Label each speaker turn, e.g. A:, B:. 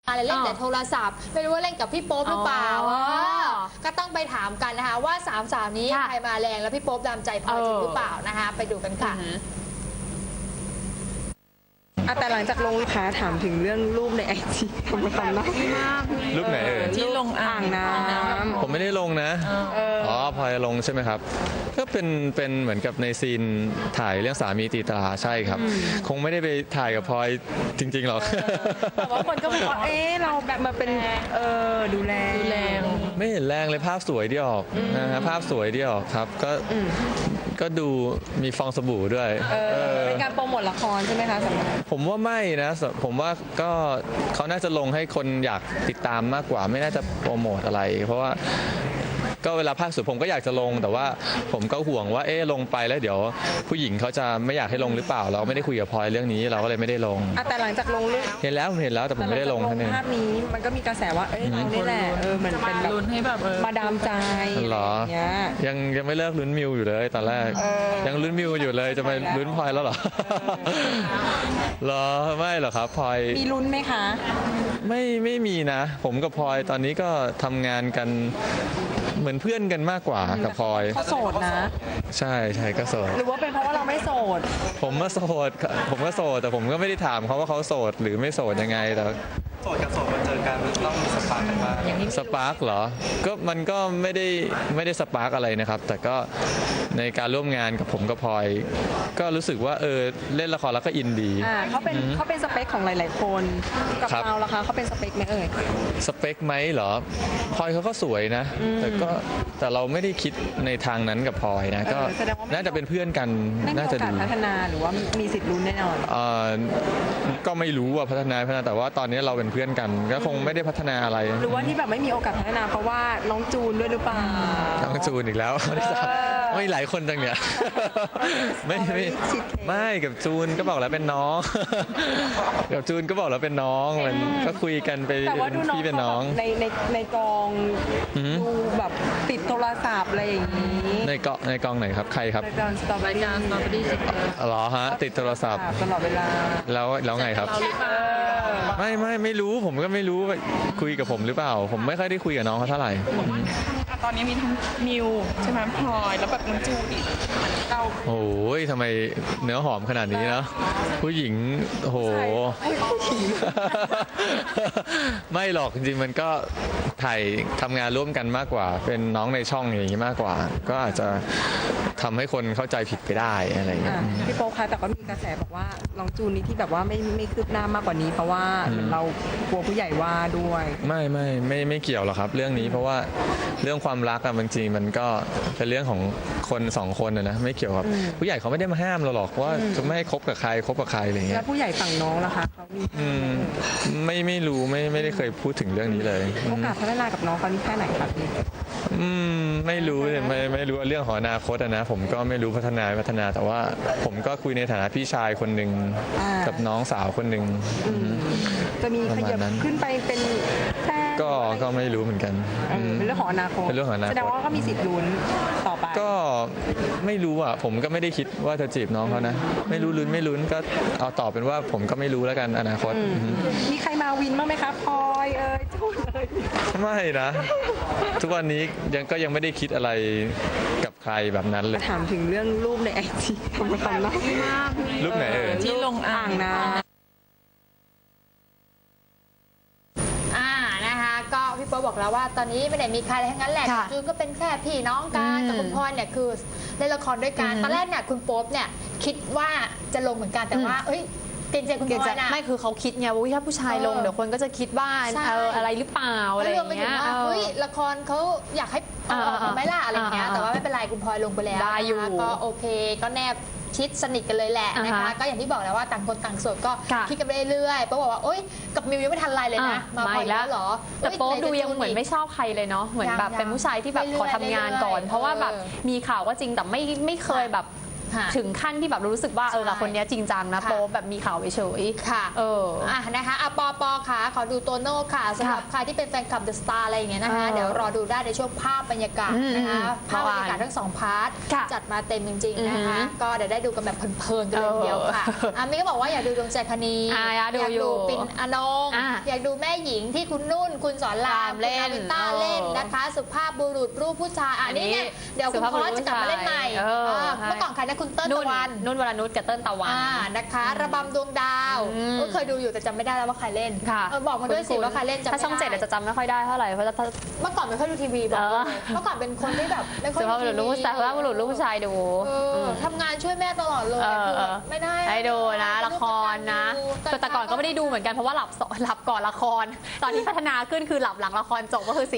A: อะไรเล่นแต่โทรศัพท์ไม่รู้ว่าเล่นกับพี่โป๊ปหรือเปล่าก็ต้องไปถามกันนะคะว่าสามสาวนี้ใครมาแรงแล้วพี่โป๊ปดามใจพลอยจริงหรือเปล่านะคะไปดูกันค่ะ
B: แต่หลังจากลงค้าถามถึงเรื่องรูปในไอจีทำไม
C: รูปไหน
B: ที่ลงอ่างน้ำ
C: ผมไม่ได้ลงนะพลอยลงใช่ไหมครับก็เป็นเหมือนกับในซีนถ่ายเรื่องสามีตีตราใช่ครับคงไม่ได้ไปถ่ายกับพลอยจริงๆหรอก
B: แต่ว่าคนก็บอกว่าเราแบบมาเป็นดูแล
C: ไม่เห็นแรงเลยภาพสวยที่ออกนะฮะภาพสวยที่ออกครับก็ดูมีฟองสบู่ด้วย
B: เป็นการโปรโมทละครใช่ไหมคะ
C: ผมว่าไม่นะผมว่าก็เขาน่าจะลงให้คนอยากติดตามมากกว่าไม่น่าจะโปรโมทอะไรเพราะว่าก็เวลาภาคสุดผมก็อยากจะลงแต่ว่าผมก็ห่วงว่าลงไปแล้วเดี๋ยวผู้หญิงเขาจะไม่อยากให้ลงหรือเปล่าเราไม่ได้คุยกับพลอยเรื่องนี้เราก็เลยไม่ได้ลง
B: แต่หลังจากลง
C: เห็นแล้วแต่ผมไม่ได้ลง
B: ภาพนี้มันก็มีกระแสว่าเรานี่แหละมันเป็นแบบลุ้นให้แบบมาดามใจ
C: หรอยังไม่เลิกลุ้นมิวอยู่เลยตอนแรกยังลุ้นมิวอยู่เลยจะไปลุ้นพลอยแล้วเหรอหรอไม่หรอครับพลอย
B: มีลุ้นไหมคะ
C: ไม่มีนะผมกับพลอยตอนนี้ก็ทำงานกันเหมือนเพื่อนกันมากกว่ากับพลอย
B: เขาโสดนะ
C: ใช่ก็โสด
B: หรือว่าเป็นเพราะว่าเราไม่โสด
C: ผมก็โสดแต่ผมก็ไม่ได้ถามเขาว่าเขาโสดหรือไม่โสดยังไงแต่
D: โสดกับโสดมาเจอกันต้องมีสปาร์กกันบ้าง
C: สปาร์กเหรอก็มันก็ไม่ได้สปาร์กอะไรนะครับแต่ก็ในการร่วมงานกับผมกับพลอยก็รู้สึกว่าเล่นละครแล้วก็อินดี
B: เขาเป็นสเปคของหลายๆคนกับเราล่ะคะเขาเป็นสเปคไหม
C: สเปคไหมเหรอพลอยเขาก็สวยนะแต่เราไม่ได้คิดในทางนั้นกับพลอยนะก็น่าจะเป็นเพื่อนกันน่าจะดี
B: พัฒนาหรือว่ามีสิทธิ์ลุ้นแน่นอน
C: ก็ไม่รู้ว่าพัฒนาแต่ว่าตอนนี้เราเป็นเพื่อนกันก็คงไม่ได้พัฒนาอะไร
B: หรือว่าที่แบบไม่มีโอกาสพัฒนาเพราะว่าน้องจูนด้วยหรือเปล่า
C: น้องจูนอีกแล้วไม่หลายคนจังเนี่ยไม่กับจูนก็บอกแล้วเป็นน้องกับจูนก็บอกแล้วเป็นน้องมันก็คุยกันไปพี่เป็นน้อง
B: ในกองดูแบบติดโทรศัพท์อะไรอย่างนี้
C: ในกองไหนครับใครครับ
B: ในกองสตอเบอรี่
C: เหรอฮะติดโทรศัพท์
B: ตลอดเวลา
C: แล้วไงครับไม่รู้ผมก็ไม่รู้คุยกับผมหรือเปล่าผมไม่ค่อยได้คุยกับน้องเขาเท่าไหร่
B: ตอนนี้มีทั้งมิวใช่ไหมพลอยแล้วแบบน้องจูดิเรา
C: โอ้ยทำไมเนื้อหอมขนาดนี้นะผู้หญิงโหไม่หรอกจริงๆมันก็ถ่ายทำงานร่วมกันมากกว่าเป็นน้องในช่องอย่างนี้มากกว่าก็อาจจะทำให้คนเข้าใจผิดไปได้อะไรอย่างเงี้ย
B: พี่โป๊ปคะแต่ก็มีกระแสบอกว่าน้องจูนนี่ที่แบบว่าไม่คืบหน้ามากกว่านี้เพราะว่าเรากลัวผู้ใหญ่ว่าด้วย
C: ไม่เกี่ยวหรอกครับเรื่องนี้เพราะว่าเรื่องความรักบางทีมันก็เป็นเรื่องของคนสองคนนะไม่เกี่ยวกับผู้ใหญ่เขาไม่ได้มาห้ามเราหรอกว่าจะไม่ให้คบกับใครอะไรอย่างเงี้ย
B: แล้วผู้ใหญ่ฝั่งน้องล่ะคะเขา
C: ไม่รู้ไม่ได้เคยพูดถึงเรื่องนี้เลย
B: โอกาสพัฒนากับน้องเขานี่แค่ไหนครับพี่
C: ไม่รู้ไม่รู้เรื่องของอนาคตนะผมก็ไม่รู้พัฒนาแต่ว่าผมก็คุยในฐานะพี่ชายคนหนึ่งกับน้องสาวคนหนึ่ง
B: จะมีขยับขึ้นไปเป็นแฟน
C: ก็ไม่รู้เหมือนกัน
B: เป็นเรื่องของอนาคตแสดงว่าก็มีสิทธิ์ลุ้นต่อไป
C: ก็ไม่รู้อ่ะผมก็ไม่ได้คิดว่าจะจีบน้องเขานะไม่รู้ลุ้นไม่ลุ้นก็เอาตอบเป็นว่าผมก็ไม่รู้แล้วกันอนาคต
B: มีใครมาวินบ้างไหมครับพลอยจูนเลย
C: ไม่นะทุกวันนี้ยังไม่ได้คิดอะไรกับใครแบบนั้นเลย
B: ถามถึงเรื่องรูปในไอจีทำไม
C: รูปไหน
B: ที่ลงอ่างน้ำ
A: นะคะก็พี่โป๊ปบอกแล้วว่าตอนนี้ไม่ได้มีใครอะไรทั้งนั้นแหละจูนก็เป็นแค่พี่น้องกันกับคุณพลอยเนี่ยคือเล่นละครด้วยกันตอนแรกเนี่ยคุณโป๊ปเนี่ยคิดว่าจะลงเหมือนกันแต่ว่าเกรงใจคุณพลอยนะ
B: ไม่คือเขาคิดไงว่าถ้าผู้ชายลงเดี๋ยวคนก็จะคิดว่าอะไรหรือเปล่าอะไรอย่างเงี้ย
A: ละครเขาอยากให้ไม่ล่ะอะไรอย่างเงี้ยแต่ว่าไม่เป็นไรคุณพลอยลงไปแล้วก็โอเคก็แนบชิดสนิทกันเลยแหละนะคะก็อย่างที่บอกแล้วว่าต่างคนต่างโสดก็คิดกันไปเรื่อยๆโป๊ปบอกว่าโอ๊ยกับมิวยังไม่ทันไรเลยนะมาพลอยแล้วเหรอ
B: แต่โป๊ปดูยังเหมือนไม่ชอบใครเลยเนาะเหมือนแบบเป็นผู้ชายที่แบบขอทำงานก่อนเพราะว่าแบบมีข่าวก็จริงแต่ไม่เคยแบบ
E: ถึงขั้นที่แบบรู้สึกว่ากับคนนี้จริงจังนะโป๊แบบมีข่าวเฉย
A: ค่ะนะคะปอค่ะขอดูโตโน่ค่ะสำหรับใครที่เป็นแฟนคลับเดอะสตาร์อะไรอย่างเงี้ยนะคะเดี๋ยวรอดูได้ในช่วงภาพบรรยากาศนะคะภาพบรรยากาศทั้ง2 พาร์ทจัดมาเต็มจริงๆนะคะก็เดี๋ยวได้ดูกันแบบเพลินๆกันเลยเดียวค่ะมิก็บอกว่าอยากดูดวงใจคณีอยากดูปิ่นอนงอยากดูแม่หญิงที่คุณนุ่นคุณสอนรามเล่นต้าเล่นนะคะสุภาพบุรุษรูปผู้ชายอันนี้เนี่ยเดี๋ยวคุณพอสจะกลับมาเล่นใหม่เมื่อก่อนใครนะคุณเติ้ลตะวัน
E: นุ่นวรนุชกับเติ้ลตะวัน
A: นะคะระบำดวงดาวเคยดูอยู่แต่จำไม่ได้แล้วว่าใครเล่นบอกมาด้วยสิว่าใครเล่น
E: ถ้าช่อง7จะจำไม่ค่อยได้เท่าไหร่เพราะ
A: เมื่อก่อนไม่ค่อยดูทีวีบอกเมื่อก่อนเป็นคนที่แบบไม่ค่อยดูทีวี
E: ลูกผู้ชายว่าบุรุษลูกผู้ชายดู
A: ทำงานช่วยแม่ตลอดเลยไม่ได้
E: ให้ดูนะละครนะแต่ก่อนก็ไม่ได้ดูเหมือนกันเพราะว่าหลับก่อนละครตอนนี้พัฒนาขึ้นคือหลับหลังละครจบก็คือ